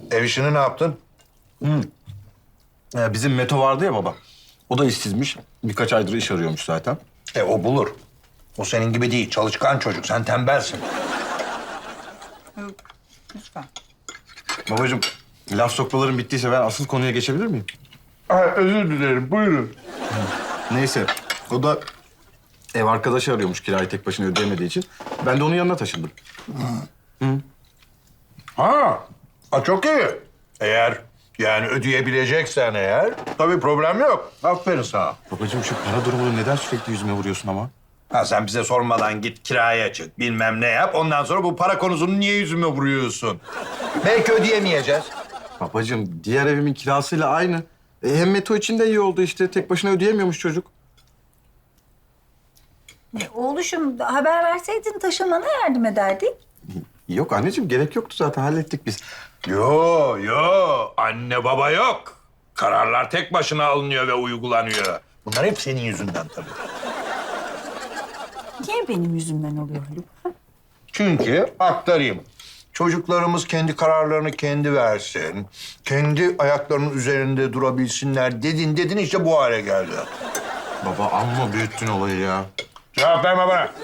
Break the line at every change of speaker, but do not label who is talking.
Ev işini ne yaptın?
Bizim Meto vardı ya baba. O da işsizmiş. Birkaç aydır iş arıyormuş zaten.
O bulur. O senin gibi değil. Çalışkan çocuk. Sen tembelsin.
Lütfen.
Babacığım, laf sokmaların bittiyse ben asıl konuya geçebilir miyim?
Özür dilerim. Buyurun.
Neyse, o da ev arkadaşı arıyormuş kirayı tek başına ödeyemediği için. Ben de onun yanına taşındım.
Ha, çok iyi. Eğer yani ödeyebileceksen eğer tabii problem yok. Aferin sana.
Babacığım şu para durumunu neden sürekli yüzüme vuruyorsun ama?
Ha, sen bize sormadan git kiraya çık, bilmem ne yap. Ondan sonra bu para konusunu niye yüzüme vuruyorsun? Belki ödeyemeyeceğiz.
Babacığım, diğer evimin kirasıyla aynı. Hem Meto için de iyi oldu işte. Tek başına ödeyemiyormuş çocuk.
Oğluşum haber verseydin taşınmana yardım ederdik.
Yok anneciğim, gerek yoktu zaten. Hallettik biz.
Yo. Anne baba yok. Kararlar tek başına alınıyor ve uygulanıyor. Bunlar hep senin yüzünden tabii.
Niye benim yüzümden oluyor Haluk?
Çünkü aktarayım. Çocuklarımız kendi kararlarını kendi versin. Kendi ayaklarının üzerinde durabilsinler dedin işte bu hale geldi.
Baba amma büyüttün olayı ya.
Cevap verme bana.